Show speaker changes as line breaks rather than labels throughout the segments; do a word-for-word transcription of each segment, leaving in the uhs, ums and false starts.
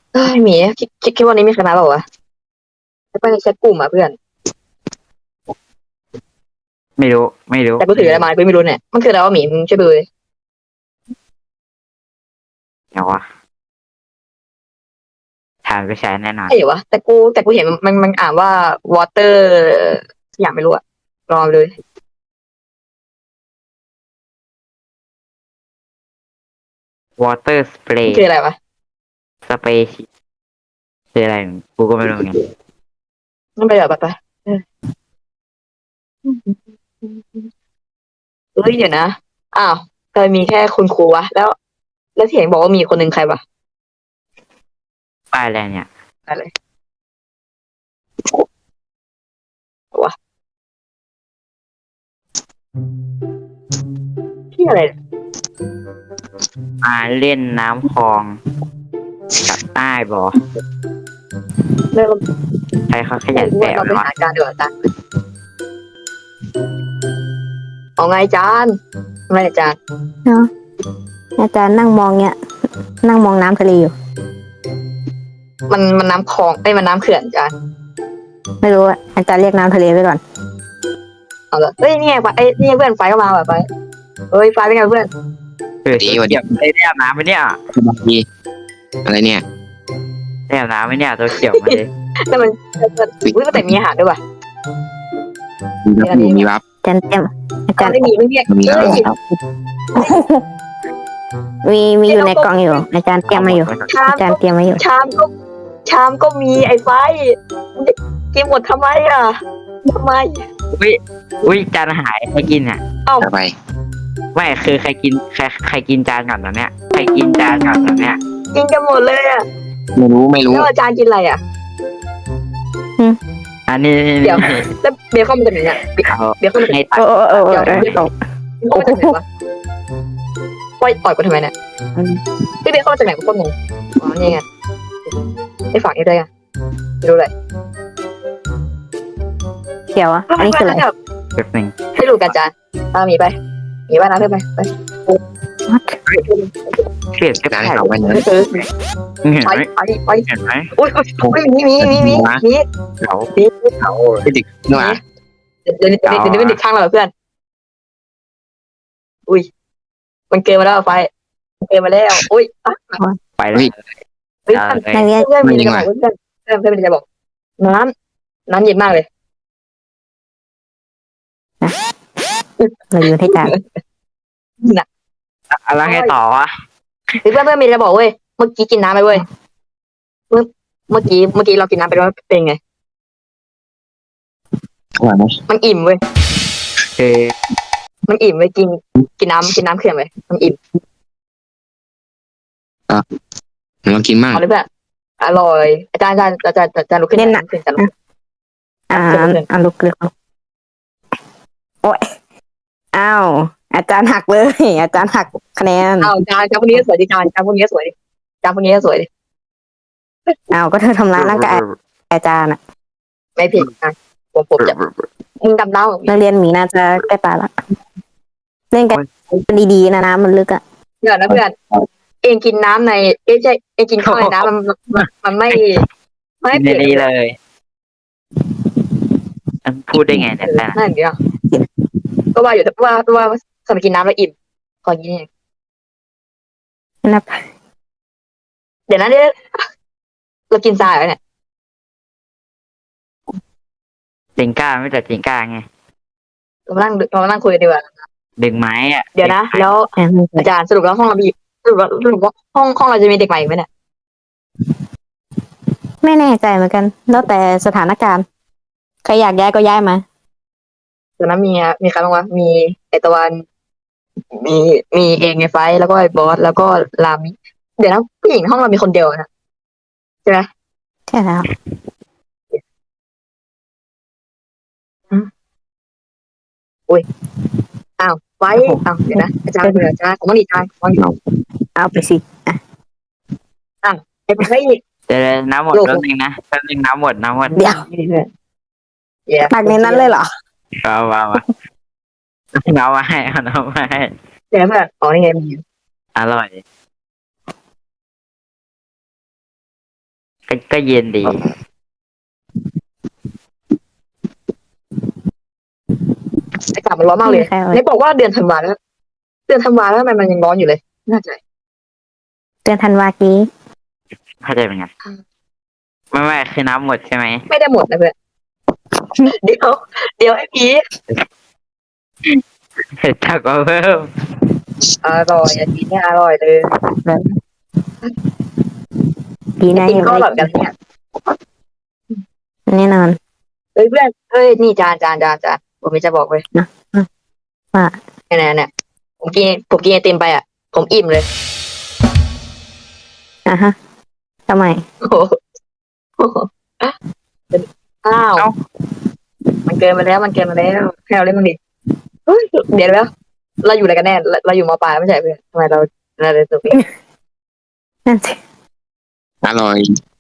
เอ้ยหมีคิดคิดคิดว่านี้มีคณะเปล่าวะไปในแชทกลุ่มอ่ะเพื่อน
ไม่รู้ไม่รู้
แต่กูถืออะไรมากูไม่รู้เนี่ยมันคืออะไรวะหมีมึงช่วยดูเลย
เดี๋ยววะทานไปใช้แน่นอน
ใช่เหรอวะแต่กูแต่กูเห็นมันมันมันอ่านว่า water อย่างไม่รู้อะรอเลย
water
มัน
spray
คืออะไรวะ
spray คืออะไรกูก็ไม่รู้ไง
มันไปแบบไปไปเออเฮ้ยเดี๋ยวนะอ้าวเคยมีแค่คุณครูวะแล้วแล้วที่เห็นบอกว่ามีคนหนึ่งใครวะ
ป้ายอะไรเนี่ย
อะไรวะที่อะไรเนี่ย
มาเล่นน้ำคลองกับใต้บ่
เริ่ม
ใครเขาขยัน
ไม่รู้
แซ
ว่าเราไป
วเลยวะ
หาอาจารย์ดีกว่าอาจารย์เอาไงอาจารย์ทำไมอาจารย์
เนาะอาจารย์นั่งมองเนี่ยนั่งมองน้ำทะเลอยู่
มันมันน้ำคลองไอ้ยมันน้ำเขื่อนอาจารย์
ไม่รู้อะอาจารย์เรียกน้ำทะเลไว้ก่อน
เอาละเฮ้ยนี่ไงไฟเอ้ยนี่ไงเพื่อนไฟก็มาแบบไฟเฮ้ยไฟเป็นไงเพื่อน
เออตัวเขียวได้ได้อาบน้ำไหมเนี่ย
ดีอะไรเนี่ย
ได้อาบน้ำไหมเนี่ยตัวเขียวมาเลย
แต่มันอุ้ยแต่มีอาหารด้วยว่ะ
มีรับอยู่มีรับ
อาจารย์เตรียมอาจารย์
ไม่มีไม่มี
มีรับ
เฮ้ย
มีมีอยู่ในกล่องอยู่ อาจารย์เตรียมมาอยู่
ชาม
อาจารย์เตรียมมาอยู่
ชามก็ชามก็มีไอ้ไฟกินหมดทำไมอ่ะทำไม
อุ้ยอุ้ยจานหายใครกินอ่ะ
ต่อไป
ไม่คือใครกินใครใครกินจานก่อนตอนเนี้ยใครกินจานก่อนตอนเนี้ย
กินกันหมดเลยอ่ะ
ไม่รู้ไม่รู้
แล้วอาจารย์กินอะไรอ่ะ
อันนี้
เดี๋ยว แล้วเบคอนมันจะไหนเนี่ย
เอา
เบคอนมันจะไหน
ให้
โอ้โอ้โอ้โอ้
เดี๋ยว
โอ้
เบคอนเบคอนมันจะไหนวะปล่อยต่อยกูทำไมเนี่ยพี่เบคอนมาจากไหนกูก็งงอ๋อนี่ไงไอ้ฝากนี่ด้วยไงไม่รู้เลย
เขียวอะอันนี้คืออะไร
แบบหนึ่ง
ให้ดูกันอาจารย์ตามหมีไปหมีว่ายน้ำเพื่อนไปไป
เปลี่ยนก็
งาน
ได้
ให้เขาไว้เนื้อ
เออ
เห็น
ไป
ไหม
ไปไป
เห็นไหม
โอ้ยโอ้ยโอ้ยมีมีมีมีมี
เขา
มี
เขาเป็นเด็กเนื้อ
เดี๋ยวเดี๋ยวเดี๋ยวเดี๋ยวเป็นเด็กข้างเราเหรอเพื่อน อุ้ย มันเกินมาแล้วไฟมันเกินมาแล้ว อุ้ยอ่ะ
ไปเลย
เฮ้ย
เอา
เพื่อน
เลย
นักเรียน
เพื่อนมีอะไรจะบอกเพื่อนเพื่อนเพื่อนมีอะไรจะบอก น้ำน้ำเย็นมากเลย
เราอยู่ที่อาจารย์
น่ะ
อะไรไงต่อวะ
เฮ้ยเพื่อนเพื่อนมีอะไรจะบอกเว้ย เมื่อกี้กินน้ำไปเว้ย เมื่อเมื่อกี้เมื่อกี้เรากินน้ำไปแล้วเป็นไง
อร่อยไหม
มันอิ่มเว้ย
คือ
มันอิ่มเว้ยกินกินน้ำกินน้ำเขื่อนเว้ยมันอิ่ม
ลองกินมั่ง
เอาเลยเพื่อนอร่อย อาจารย์อาจารย์อาจารย์อาจารย์ลุกขึ้นอาจารย์ลุกขึ้นอาจารย์ลุกขึ้น
อ่าอ่าลุกเลือกโอ้ยอ้าวอาจารย์หักเลย อาจารย์หักคะแนน
อ้าวอาจารย์อาจารย์พวกนี้ก็สวยดิอาจารย์อาจารย์พวกนี้ก็สวยดิอาจารย์พวกนี้ก็สวยดิ
อ้าวก็เธอทำร้ายร่างกายอาจารย์อะ
ไม่ผิดอ่ะผมผมจะมึงดำเล่า
นักเรียนหมีน่าจะใกล้ตายละเล่นกันดีๆนะน้ำมันลึกอะ
เดี๋ยวนะเพื่อนเองกินน้ำในเอ้ยใช่เองกินข้าวในน้ำมันมันมันไม่ไม่
กิน
เผ็ด
ดีๆเลยอันพูดได้ไงเนี่ยแต่
นั่นเดียวก็ว่าอยู่แต่ว่าว่าสมัยกินน้ำแล้วอิ่มขอกินเอง
นะ
เดี๋ยวนะเดี๋ยวเรากินทรายแล้วเนี่ย
จิงก้าไม่แต่จิงก้าไง
เรามานั่งเรามานั่งคุยกันดีกว่า
ดึงไม้อ่ะ
เดี๋ยวนะ แล้ว
อ่า
อาจารย์สรุปแล้วห้องเรามีสรุปแล้วสรุปว่าห้องห้องเราจะมีเด็กใหม่ไหมเนี่ย
ไม่แน่ใจเหมือนกัน แล้วแต่สถานการณ์ใครอยากย้ายก็ย้ายมา
เดี๋ยวนะมีมีใครบ้างวะมีไอตะวันมีมีเองไงไฟท์แล้วก็ไอบอสแล้วก็ลามิเดี๋ยวนะผู้หญิงห้องเรามีคนเดียวนะใช่ไหม
ใช่แล้ว
อ้าวไฟท์อ้าวเดี๋ยวนะอาจารย์เดี๋ยวอาจารย์ผมต้องดีอาจารย์ผมต้องดี
เอาไปสิ
ไอ้ไฟท์
เดี๋ยวน้ำหมดแป๊บนึงนะแป๊บนึงน้ำหมดน้ำหมด
เดี๋ยว
นี่เพื่อนเย้
หนักในนั้นเลยเหรอ
เอามามาน้ำมาให้เอาน้ำมาให้
เดี๋ยวเพื่อนอ๋อนี่ไงมี
อร่อยก็ก็เย็นดี
อากาศมันร้อนมากเลย
ใครเอา
นี่บอกว่าเดือนธันวาแล้วเดือนธันวาแล้วทำไมมันยังร้อนอยู่เลยน่าใจ
เดือนธันวากี้
เข้าใจเป็นไงไม่ไม่คือน้ำหมดใช่ไหม
ไม่ได้หมดนะเพื่อนเดี๋ยวเดี๋ยวไอ้พี
เห็ดจักก็เพิ่ม
อร่อยอันนี้เนี่ยอร่อยเลย
ปีหน้า
กิน
ยัง
ก็อ
ไม่
ร่อยกันเนี่ย
แน่นอน
เฮ้ยเพื่อนเฮ้ยนี่จานจานจานจานผมมีจะบอกเลย
นะว่า
เนี่ยเนี่ยผมกินผมกินไอติมไปอ่ะผมอิ่มเลย
อ่ะฮะทำไม
โอ้โหโอ้โหอ้าวมันเกินมาแล้วมันเกินมาแล้วให้เราเล่นมันดิเฮ้ยเดี๋ยวแล้วเราอยู่อะไรกันแน่เราเราอยู่มปลายไม่ใช่เพื่อนทำไมเราเราเลยตัวเอง
นั่นสิ
อร่อย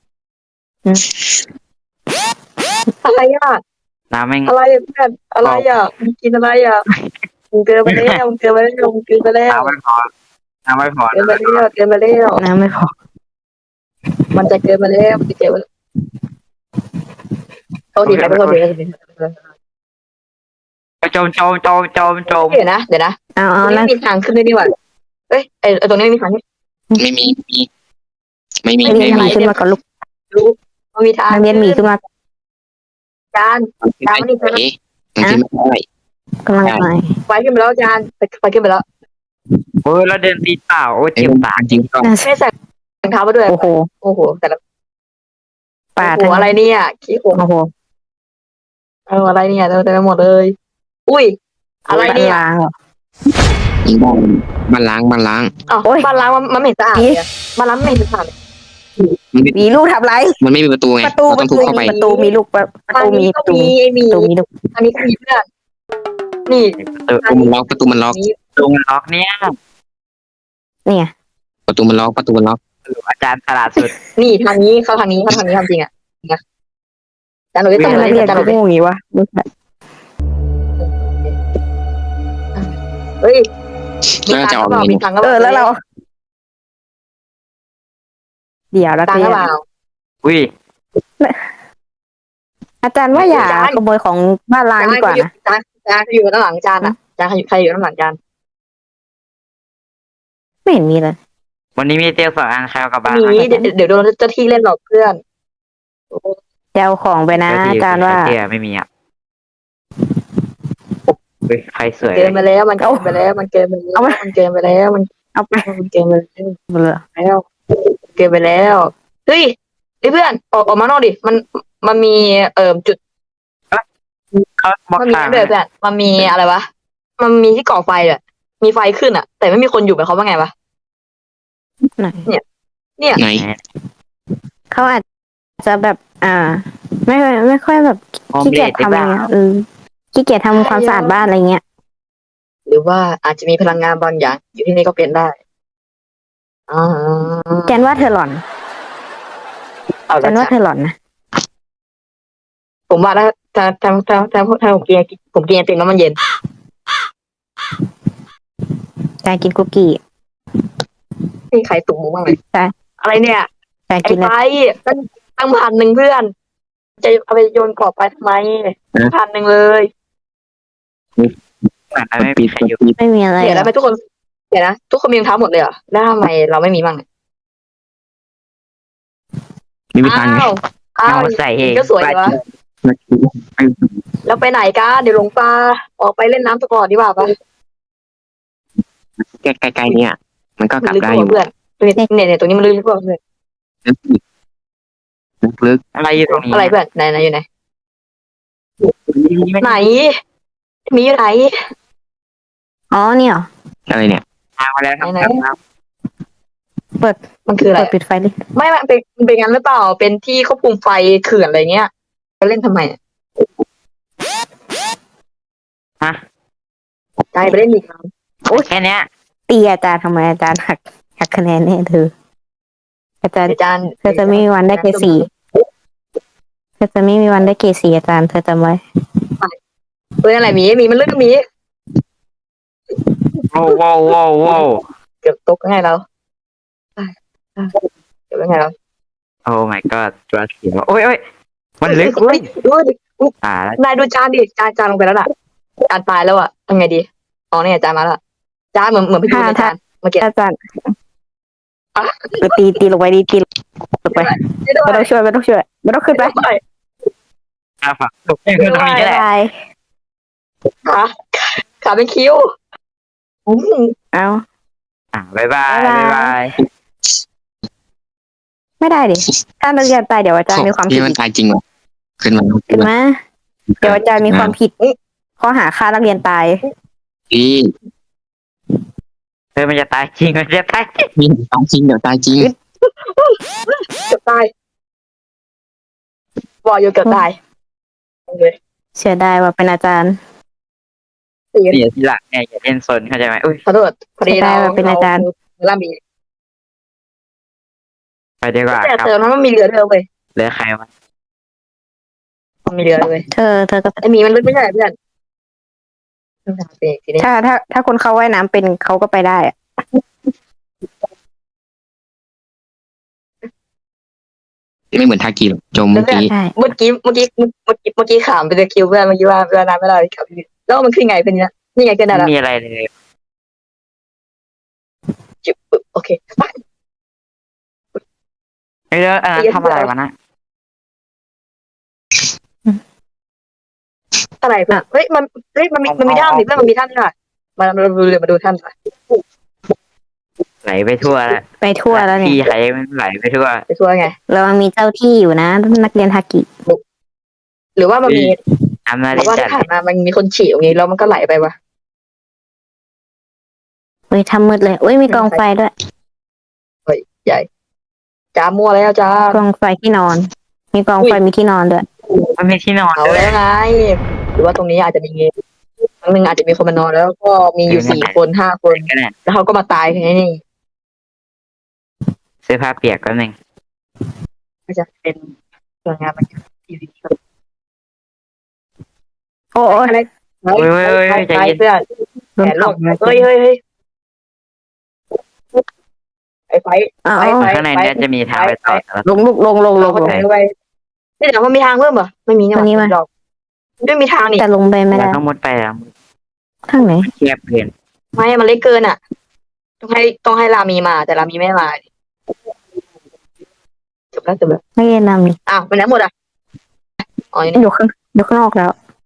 อะไรอ่ะ
น้ำแม่ง
อะไรอ่ะเพื่อนอะไรอ่ะมึงกินอะไรอ่ะมึงเกินไปแล้วมึงเกินไปแล้วมึงเกินไปแล้ว
น้ำไม่พอน้ำไม่พอ
เกินไปแล้วเกินไปแล้ว
น้ำไม่พอ
มันจะเกินไปแล้วมันจะเกินไปแล้วโทษทีครับโทษทีครับ
จมจมจมจมจม
เดี๋ยวนะเดี๋ยวนะ
เอา
ต
เอา
รงนี้
นั่น
มีทางขึ้นด้วยนี่หว่าเอ้ยไอตรงนี้มีทาง
ไม่มีไม่มี
นักเรียนห
ไม่
มี
มี
ขึ้นมาก่อนลูก
รู้มันมีทาง
นักเรียนหมีขึ้นมา
จาน ตามมานี่
เอ๊ะมันขึ้นไม่ได้
กำลังหน่อย
ไฟขึ้นไปแล้วจานไฟไฟขึ้นไปแล้ว
โอ้ยแล้วเดินตีเปล่าโอ้ย
เอ้ย
เจ็บปาก
จริงก็
นั่นสิ
ไม่ใส่รองเท้ามาด้วย
โอ้โห
โอ้โหแต่ละ
ป่า
โอ้โห
ทั้ง
อะไรเนี่ยขี้โกง
โอ้โห
เอออะไรเนี่ยเต็มไปหมดเลย อุ้ยอะไรเนี่ย
ล้างเหรอ
จริงบ้านบ้านล้างบ้านล้าง
อ๋อ
โอ้ย
บ้านล้างมันมันไม่เห็นสะอาดเลยอะบ้านล้างไม่เห็นสะอาดเลย
มันไม่
มีลูกทำไร
มันไม่มีประตูไง
ประตู
เรา
ป
ต้อ
ระ
งทุบเข้าไป
ตูประตูมีลูกประประ
ทาง
ตูมี
นี้
ป
ก็
ระตู
มี
มี
ไอ้หมี
ประตูมีลูก
ทางนี้ก็มีเพื่อนนี่
ประตูมันล็อกประตูมันล็อก
นี้
ลุงล็อกเนี่ย
เนี่ย
ประตูมันล็อกประตูมันล็อก
อาจารย์ฉลาดสุด
นี่ทางนี้เข้าทางนี้เข้าทางนี้ทำจริงอ่ะนะจานหนูได้
ทำ
จานห
ไม
นู
นัก
ได้
เรียน
จานหนู
กู
ได้
โง่อย่างงี้วะ
เฮ้ยมี
แล้ว
ตัง
จะ
ค์
อ อก
ก็เปล่า
เม
มี
นู
ตังค์ก็
เอ
เปล่า
อแล้วเรา เดี๋ยวนัก
ตังค์
เรี
ก็
ยน
เปล่า
อุ้ย
อาจารย์ว่าอย่า
อาจารย์
ขโมยของบ้านล้างดีกว่านะ
จานจานอยู่ด้านหลังจานอ่ะจานใครอยู่ด้านหลังจาน
ไม่เห็นมีเลย
วันนี้มีเตียงสองอันใครเอากลับบ้าน
มี
ไหม
เดี๋ยวเดี๋ยวโดนเจ้าที่เล่นหลอกเพื่อน
จะเอาของไปนะอาจารย์ว่า
เตียไม่มีอ่ะเฮ้ยใครสวย
เกินไปแล้วมันเกินไปแล้วมันเกินไปแล้ว
เอาไป
มันเกินไปแล้วมัน
เอาไป
มันเกินไปแล้ว
เบื่อ
แล้วเกินไปแล้วเฮ้ยเฮ้ยเพื่อนออกออกมานอกดิมันมันมีเอ่อจุด
เขาบอก
มันมี
ทาง
นั่นด้วยเพื่อนมันมีอะไรวะมันมีที่ก่อไฟอ่ะมีไฟขึ้นอ่ะ แต่ไม่มีคนอยู่เป็นเขาว่าไงวะ
ไหน
เนี่ย
ไหน
เขาอาจจะแบบ อ่า ไม่ค่อยไม่ค่อยแบบ
โฮม
ขี้
เด
เกีย
ท
จ
หรือ
ทำ
เป
อะไร
ล่า
เงี้ยเออขี้เกียจทำความสะอาดบ้านอะไรเงี้ย
หรือว่าอาจจะมีพลังงานบางอย่าง อยู่ที่นี่ก็เป็นได้อ่า
แจนว่าเธอหล่อน
เอา
แจ
ละ
นว่าเธอหล่อนนะ
ผมว่าถ้าถ้าถ้าถ้าถ้าถ้าผมกินผมกินไอติมแล้วมันเย็น
การกินคุกกี้
มีใครตุ่มมุ้งบ้างไหม
ใช่
อะไรเนี่ย
การ
ไอ้
กิน
ไฟ
อะไร
ตั้งตั้งพันหนึ่งเพื่อน จะเอาไปโยนกรอบไปทำไมพันหนึ่งเลย
เหมือนไม่มีใครอยู่
ไม่มีอะไร
เดี๋ยว
หร
แล้ว
อก
ทำไมทุกคนเดี๋ยวนะทุกคนมีรองเท้าหมดเลยเหรอแล้วทำไมเราไม่มีบ้างเนี่ย
ไม่มีตังค์ไง
อ้าวอ้าว
เอาใส่เอง
ก็สวยดีวะแล้วไปไหนกันเดี๋ยวหลงปลาออกไปเล่นน้ำตะกอนดีกว่าปะ
ใกล้ๆเนี่ย มันก็กลับ
ลึก
ได้
ก
อยู่
ว่าเพื่อนเนี่ยเนี่ยเนี่ยตรงนี้มันลึกกว่าเพื่อน
ลึก
อะไรอยู่ตรงนี้
อะไรเพื่อนไหนไหนอยู่ไหนไหนมีอยู่ไหน
อ๋อเนี่ยเหรอ
อะไรเนี่ย
ทางมาแล้วครับ
ไหน
ครับ
มันคืออะไร
เปิดปิดไฟดิ
ไม่มันเป็นมันเป็นงั้นหรือเปล่าเป็นที่ควบคุมไฟเขื่อนอะไรเงี้ยไปเล่นทำไมอะ
ฮะ
ใจไปเล่นอีกครั้ง
โอ้ยแค่เนี้ย
ตีอาจารย์ทำไมอาจารย์หักหักคะแนนแน่เธอ อาจารย์
อาจารย์
เธอจะไม่มีวันได้เกรดสี่เธอจะไม่มีวันได้เกรดสี่อาจารย์เธอจำไว้
เฮ้ยอะไรมีมีมันลึกก็มี
โว้วโว้วโว้วโว้ว
เกือบตกยังไงเราเกือบยังไงเรา
โอ้ my god ตัวเขียวโอ้ยโอ้ยมันลึกเว้ย
ดูดิ
อ่าแล้ว
นายดูจานดิจานจานลงไปแล้วล่ะจานตายแล้วอ่ะทำไงดีอ๋อเนี่ยจานมาแล้วจานเหมือนเหมือนพี่ดูในจานเมื่อกี้
อาจารย์ตีตีลงไปดีตีลงไป
ไม่ได้
ไม่ต้องช่วยไม่ต้องช่วยไม่ต้องขึ้นไป
ไม่ได้
อ่าฝากตกคือตรงนี้แหละ
บาย
ขาขาเป็นคิ้วอืม
เอา
อ่าบายบาย
บ๊ายบาย
บายบาย
ไม่ได้ดิถ้านักเรียนตายเดี๋ยวอาจารย์มีความผิ
นี่
ด
มันตายจริงเหรอขึ้นมา
ขึ้นมาเดี๋ยวอาจารย์มีความผิดข้อหาฆ่านักเรียนตาย
พี่
เฮ้ยมันจะตายจริงมันจะตายจริง
นี่ตายจริงเดี๋ยวตายจริง
เกือบตายบอกอยู่เกือบตายเลย
เสียดายว่าเป็นอาจารย์
ตี
เสียทีหลังเนี่ยอย่าเล่นซนเข้าใจไหมอุ้ย
ขอโทษพอดีเรา
เป็นอาจารย์
ล่ามี
ไปดีกว่า
แต่
ครับ
เติมนั้นมันมีเรือเรือเว้ย
เหลือใครวะ
มันมีเรือเลย
เธอเธอก็
ไอหมีมันลึกไม่ใช่เพื่อนเบรกทีนี้
ถ้าถ้าถ้าคนเขาว่ายน้ำเป็นเขาก็ไปได้อะ
ไม่เหมือนทากิหรอกจมเมื่อกี้
ใช่
เมื่อกี้เมื่อกี้เมื่อกี้เมื่อกี้ขามเป็นคิวเพื่อนเมื่อกี้ว่าเพื่อนน้ำไม่ได้ครับแล้วมันขึ้นไงเป็นเนี้ยนี่ไงขึ้นได้
ไม่
แล้ว
มีอะไรเลย
จุ๊บโอเค
เฮ้ยแล้วอันนั้นทำอะไรวะนะ
อะไรเพื่อนเฮ้ยมันเฮ้ยมันมีมันมีถ้ำนี่เพื่อนมันมีถ้ำนี่ค่ะมามาดูเรือมาดูถ้ำค่ะ
ไหลไปทั่วแล้ว
ไปทั่วแล้วเนี่
ที่
ย
ใครมันไหลไปทั่ว
ไปทัวร์ไง
เรามีเจ้าที่อยู่นะ นักเรียนฮากิ
หรือว่ามันมี
อำนาจ
เพราะว่า
จั
ที่
ด
ผ่านมามันมีคนฉี่ตรงนี้แล้วมันก็ไหลไปวะ
เฮ้ยทำมืดเลยอุ้ยมีกองไฟด้วย
ใหญ่จ้ามัวแล้วจ้าก
องไฟที่นอน มีกองไฟมีที่นอนด้วย
มันมีที่นอน
เอา
ด้วย
แล้วไงหรือว่าตรงนี้อาจจะมีครั้งหนึ่งอาจจะมีคนมานอนแล้วก็มีอยู่สี่คนห้าคน
ก็เนี่ย
แล้วเขาก็มาตายแค่นี้
เสื้อผ้าเปียกก็หนึ่ง
ก็จะเป็นส่วนงานมันทีวี
โอ้ย
อะไร
เฮ้ยเฮ้ยเฮ้ยใจ
ไป
เย็น
เพื่อน
โดน
แขน
ต
ล
บ
งเฮ้ยเฮ้ยเฮ้ยไอ้ไฟ
อ้าว
ไปไป
ข้างในเนี่ยจะมีทางไปต่อแล้ว
ลงลุกลงลงล
เรา
ง
ก็
ลง
จะไปนี่เดี๋ยวมันมีทางเพิ่มเหรอไม่มีเนี่ย
ตรงนี้มั้ย
หรอกไม่มีทางนี่
แต่ลงไปไม่
เรา
ได้
ต้องมุดไปแล้ว
ทางไหน
เทียบเกิน
ไม่มันเล็กเกินอ่ะ ต้องให้ต้องให้รามีมา แต่รามีไม่มาจบแล้วจบแล้ว
นักเรียนนำนี่
อ้าวไปไหนหมดอ่ะอ๋ออยู่นี่
อยู่ข้างอยู่ข้างนอกแล้ว